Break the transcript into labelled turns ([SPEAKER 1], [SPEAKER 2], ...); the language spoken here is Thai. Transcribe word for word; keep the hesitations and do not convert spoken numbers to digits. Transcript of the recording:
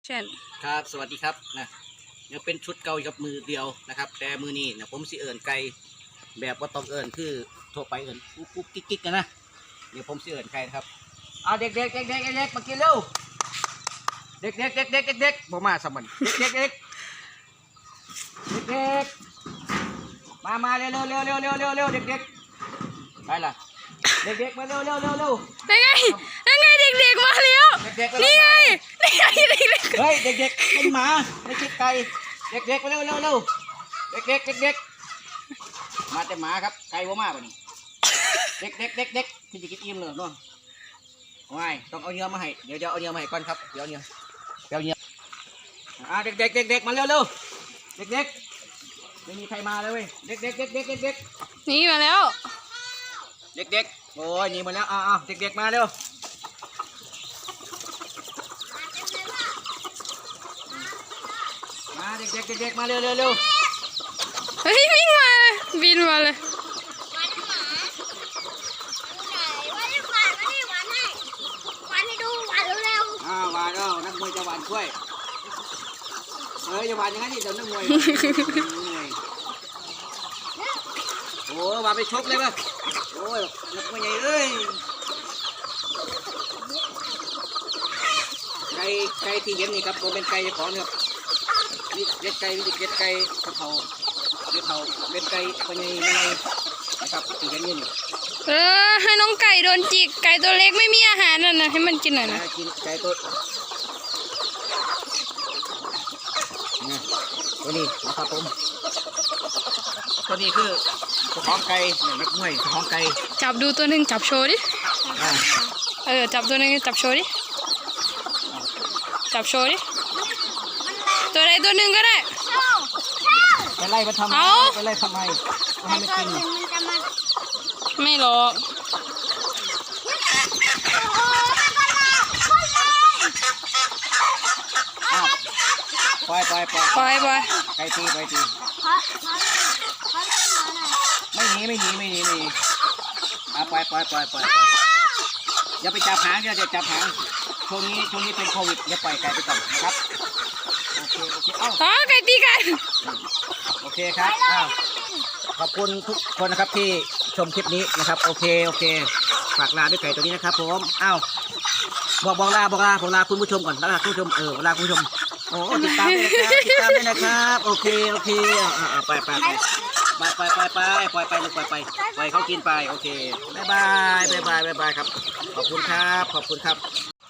[SPEAKER 1] เช่น
[SPEAKER 2] ครับสวัสดีครับนะยังเป็นชุดเก่ากับมือเดียวนะครับแต่มือนี้นะผมสิเอิญไก่แบบว่าต้องเอิญคือทั่วไปเอิญกุ๊กกุ๊กกิ๊กกิ๊กกันนะเดี๋ยวผมสิเอิญไก่นะครับเอาเด็กเด็กเด็กเด็กเด็กมากินเร็วเด็กเด็กเด็กเด็กเด็กเด็กบ่มาสมันเด็กเด็กเด็กเด็กมามาเร็วเร็วเร็วเร็วเร็วเร็วเร็วเด็กเด็กไปล่ะเด็กเด็กมาเร็วเร็วเร็วเร็ว
[SPEAKER 1] ได้ไงได้ไงเด็กๆมาแล้วนี่ไงนี่ไงเด็กๆ
[SPEAKER 2] เฮ้ยเด็กๆเป็นหมาไม่ใช่ไก่เด็กๆมาเร็วเร็วเร็วเด็กๆเด็กๆมาแต่หมาครับไก่บ่มาป่ะนี่เด็กๆเด็กๆที่จะกินอิ่มเลยน้องไม่ต้องเอาเนื้อมาให้เดี๋ยวจะเอาเนื้อมาให้ก่อนครับเดี๋ยวเนื้อเดี๋ยวเนื้ออ่าเด็กๆเด็กๆมาเร็วเร็วเด็กๆไม่มีใครมาเลยเว้ยเด็กๆเด็กๆเด็กๆ
[SPEAKER 1] นี่มาแล้ว
[SPEAKER 2] เด็กๆโอ้ยนี่มาแล้วอ้าวเด็กๆมาเร็วมาเด็กๆเด็กๆมาเร็วเร็วเร็ว
[SPEAKER 1] เฮ้ยวิ่งมาเลยบินมาเลย
[SPEAKER 2] อ่าหวานเอานักมวยจะหวานช่วยเฮ้ยจะหวานยังไงนี่เดี๋ยวนักมวยโอ้หวานไปชกเลยป่ะโอ้ยนักมวยใหญ่เอ้ยไก่ไก่ที่เห็นนี่ครับผมเป็นไก่ของเนี่ยนี่เล็ดไก่นี่เล็ดไก่กระเพราเล็ดเผาเล็ดไก่คนใหญ่ไม่ใหญ่นะครับที่เห็นนี่
[SPEAKER 1] เออให้น้องไก่โดนจิกไก่ตัวเล็กไม่มีอาหารน่ะนะให้มันกินหน่อยนะ
[SPEAKER 2] กินไก่ตัวนี่ตัวนี้นะครับผมตัวนี้คือเจ้าของไก่นักมวยเจ้าของไก่
[SPEAKER 1] จับดูตัวหนึ่งจับโชว์ดิเออจับตัวหนึ่งจับโชว์ดิจับโชว์ดิตัวใดตัวหนึ่งก็ได้
[SPEAKER 2] ไปไล่มาทำไมไปไล่ทำไมให้มันกิน
[SPEAKER 1] ไม่หรอก
[SPEAKER 2] ปล่อยปล่อยปล่อย
[SPEAKER 1] ปล่อยปล่อย
[SPEAKER 2] ไก่ตีไปตีไม่หนีไม่หนีไม่หนีไม่หนีอ่ะปล่อยปล่อยปล่อยปล่อยอย่าไปจับหางอย่าจับหางช่วงนี้ช่วงนี้เป็นโควิดอย่าปล่อยไก่ไปก่อนนะครับโอเคโอเคเอ้า
[SPEAKER 1] อ๋อไก่ตีกัน
[SPEAKER 2] โอเคครับอ้าวขอบคุณทุกคนนะครับที่ชมคลิปนี้นะครับโอเคโอเคฝากลาด้วยไก่ตัวนี้นะครับผมอ้าวบอกบอกลาบอกลาบอกลาคุณผู้ชมก่อนลาคุณผู้ชมเออลาคุณผู้ชมโอ้ติดตามเลยนะครับติดตามเลยนะครับโอเคโอเคอ่าไปไปไปไปไปไปไปปล่อยไปลูกปล่อยไปปล่อยเขากินไปโอเคบายบายบายบายบายบายครับขอบคุณครับขอบคุณครับ